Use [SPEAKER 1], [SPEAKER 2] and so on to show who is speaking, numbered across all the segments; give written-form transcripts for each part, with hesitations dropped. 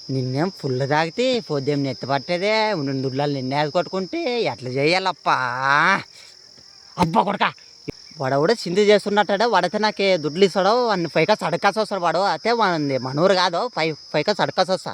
[SPEAKER 1] నిన్నేం ఫుల్ తాగితే పొద్దుం నెత్తి పట్టేదే దుడ్లాలు నిన్నే కొట్టుకుంటే ఎట్లా చేయాలప్పా అబ్బా కొడక వాడు కూడా సింధు చేస్తున్నట్టాడు వాడైతే నాకు దుడ్లు ఇస్తాడు వాడిని పైకా సడకాసి వస్తాడు వాడు అయితే వాడి మనూరు కాదు పైకా సడకాసి వస్తా.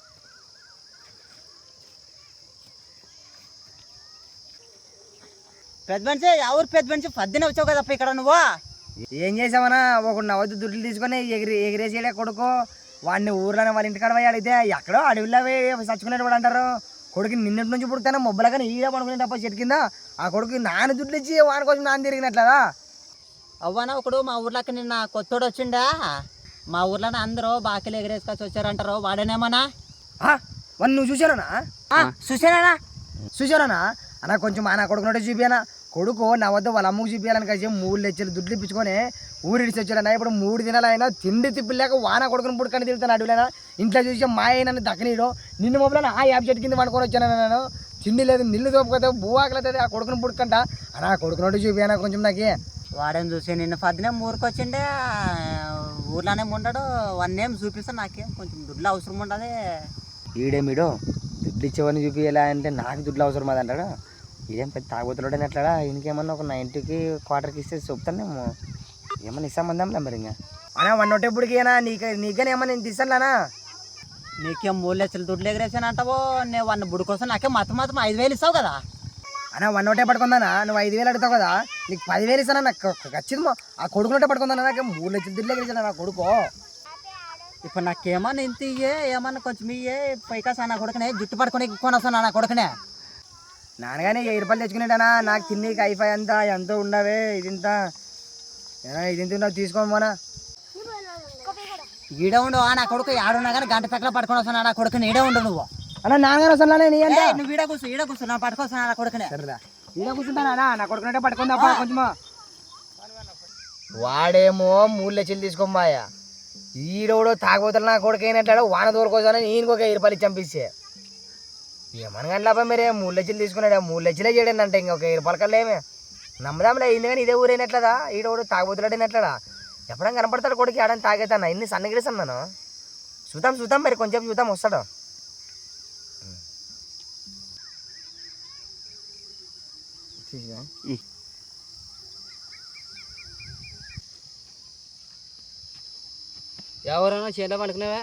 [SPEAKER 1] పెద్ద మనిషి ఎవరు పెద్ద మనిషి పద్దెన వచ్చావు కదప్ప ఇక్కడ నువ్వు
[SPEAKER 2] ఏం చేసావనా ఒక నవ్వుతూ దుడ్లు తీసుకొని ఎగిరేసేలే కొడుకు వాడిని ఊర్లోనే వాళ్ళ ఇంటికాడ పోయి అడిగితే ఎక్కడో అడవిలో చచ్చుకునేవాడు అంటారు. కొడుకు నిన్నటి నుంచి పుడతానే మొబ్బలుగా ఈడ పడుకునే తప్ప చెట్టు కింద ఆ కొడుకు నాన్న దుడ్లు ఇచ్చి వాని కోసం నాన్న తిరిగినట్లదా.
[SPEAKER 1] అవ్వనా ఒకడు మా ఊర్లోకి నిన్న కొత్తోడు వచ్చిండా మా ఊర్లోనే అందరూ బాకీలు ఎగరేసుకొచ్చి వచ్చారంటారు వాడేనేమన్నా
[SPEAKER 2] వాడిని నువ్వు చూసానా చూసానా అన్న కొంచెం నా కొడుకునోటే చూపియానా కొడుకు నా వద్ద వాళ్ళ అమ్మకు చూపించాలని కలిసి 3 లక్షలు దుడ్లు ఇప్పించుకొని ఊరిడిచి వచ్చాడన్నా. ఇప్పుడు 3 దినాలైనా తిండి తిప్పిలేక వాన కొడుకుని పుట్టుకొని తిరుగుతాను అడుగులేనా ఇంట్లో చూసి మా అయినా దక్కనీడు నిన్ను మొబైల్ ఆ యాప్ చెట్టు కింద పడుకొని వచ్చాను నేను తిండి లేదు నిల్లు తోపుకోతే భూవాకలేదు ఆ కొడుకుని పుట్టుకంట అన్న కొడుకునోటి చూపియానా కొంచెం నాకు
[SPEAKER 1] వాడేం చూసి నిన్న పద్దినే ఊరికొచ్చిండే ఊర్లోనే ఉండడు వాడిని ఏం చూపిస్తా నాకేం కొంచెం దుడ్లు అవసరం ఉండదు.
[SPEAKER 2] ఈడేమిడో దుడ్లు ఇచ్చేవాడిని చూపించాలా అంటే నాకు దుడ్లు అవసరం అది అంటాడు. ఇదేం పెద్ద తాగుతులోడని ఎట్లాడా ఇంకేమన్నా ఒక 90కి క్వార్టర్కి ఇస్తే చెప్తానేమో ఏమన్నా ఇస్తామందాంలే మరి ఇంకా అన్నా 1 నీకనే ఏమన్నా నేను తీసానులానా
[SPEAKER 1] నీకేం 3 లక్షలు దుడ్లు ఎగరేసాను అంటావో నేను వాడిని బుడి కోసం నాకేం మాత్రం 5,000 ఇస్తావు కదా
[SPEAKER 2] అన్నా 1 పడుకుందానా నువ్వు 5,000 అడుగుతావు కదా నీకు 10,000 ఇస్తానా నాకు ఖచ్చితంగా ఆ కొడుకునోటే పడుకుందానా నాకు 3 లక్షలు దుడ్లు ఎగరేసాను నా కొడుకు.
[SPEAKER 1] ఇప్పుడు నాకేమన్నా ఇంత ఇయ్యే ఏమన్నా కొంచెం ఇయ్యే పైకా నా కొడుకునే జుట్టు పడుకొని కొని వస్తాను నా కొడుకునే
[SPEAKER 2] నాన్నగానే 1000 రూపాయలు తెచ్చుకునేటానా నాకు తిన్నీకి ఐఫై అంతా ఎంతో ఉండవే ఇదింత ఇదింత తీసుకోమోనా
[SPEAKER 1] ఈడే ఉండవు నా కొడుకు ఆడున్నా కానీ గంట పెక్కల పట్టుకొని వస్తున్నా నా కొడుకుని ఈడే ఉండవు నువ్వు
[SPEAKER 2] అన్న నాన్నగారు వస్తానే నీ అంటే
[SPEAKER 1] నువ్వు ఈడ కూర్చో నా పట్టుకొస్తున్నా నా కొడుకునే
[SPEAKER 2] సరేదా ఈడ కూర్చుంటానా నా కొడుకునంటే పట్టుకుందా కొంచెమా వాడేమో 3 లక్షలు తీసుకోమాయా ఈడోడో తాగబోతాడు నా కొడుకు అయినట్లాడు వాన దూరకోసానని ఈయనకు ఒక 1000 రూపాయలు చంపిస్తే ఏమనగండి మీరే 3 లక్షలు తీసుకున్నాడు 3 లక్షలే చేయడంటే ఇంకొక 1000 రూపాయల కల్లా ఏమే నమ్మదాంలే అయింది కానీ ఇదే ఊరైనట్లదా ఈడోడు తాగబోతులాడినట్లడా ఎప్పుడైనా కనపడతాడు కొడుకు ఆడని తాగేతాను ఇన్ని సన్నగిరిస్తున్నాను చూద్దాం మరి కొంచెం చూద్దాం వస్తాడు.
[SPEAKER 1] ఎవరైనా చేలో పడుకునేవా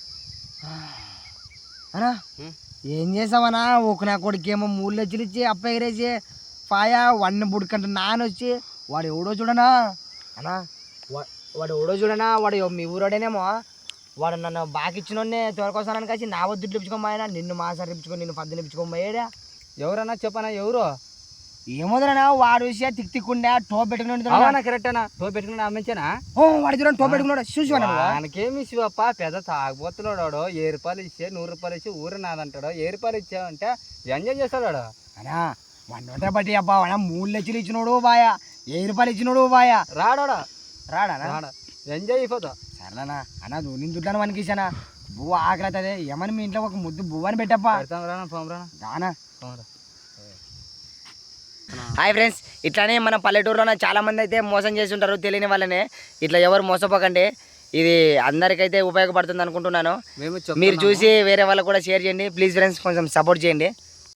[SPEAKER 2] అనా ఏం చేసావనా ఒక నా కొడుకేమో 3 లక్షలు ఇచ్చి అప్ప ఎగిరేసి పాయా వాడిని బుడికంట నానొచ్చి వాడు ఎవడో చూడనా అనా వాడు ఎవడో చూడనా వాడు మీ ఊరోడేనేమో వాడు నన్ను బాగా ఇచ్చినోడ్నే తోలుకొస్తానని కలిసి నా వద్దు ఇప్పించుకోమాయనా నిన్ను మాసారి ఇప్పించుకో నిన్ను 10 ఇప్పించుకోమాయేడా
[SPEAKER 1] ఎవరన్నా చెప్పనా ఎవరు
[SPEAKER 2] ఏమోదనా వాడు విషయా తిక్కుండే టోప్ పెట్టుకుని
[SPEAKER 1] కరెక్టేనా టోప్ పెట్టుకుని అమ్మించానా
[SPEAKER 2] వాడి చూడండి టోప్ పెట్టుకున్నాడు చూసి
[SPEAKER 1] మనకేమి ఇచ్చివప్ప పెద్ద తాగుబోతున్నాడు 1000 రూపాయలు ఇచ్చే 100 రూపాయలు ఇచ్చి ఊరు నాదంటాడు 1000 రూపాయలు ఇచ్చావంటే ఎంజాయ్ చేస్తాడు
[SPEAKER 2] అనా 1 బట్టి అబ్బా 3 లక్షలు ఇచ్చినోడు బాయా 1000 రూపాయలు ఇచ్చినోడు బాయా రాడా
[SPEAKER 1] ఎంజాయ్ అయిపోతా
[SPEAKER 2] సరేనా అన్నా నేను దుడ్లను మనకి ఇచ్చానా బువ్వ ఆకలి అవుతుంది ఏమని మీ ఇంట్లో ఒక ముద్దు బువ్వని పెట్టప్పా రానా. హాయ్ ఫ్రెండ్స్ ఇట్లానే మన పల్లెటూరులో చాలా మంది అయితే మోసం చేసి ఉంటారు తెలియని వాళ్ళనే ఇట్లా ఎవరు మోసపోకండి ఇది అందరికైతే ఉపయోగపడుతుంది అనుకుంటున్నాను. మీరు చూసి వేరే వాళ్ళకు కూడా షేర్ చేయండి ప్లీజ్ ఫ్రెండ్స్ కొంచెం సపోర్ట్ చేయండి.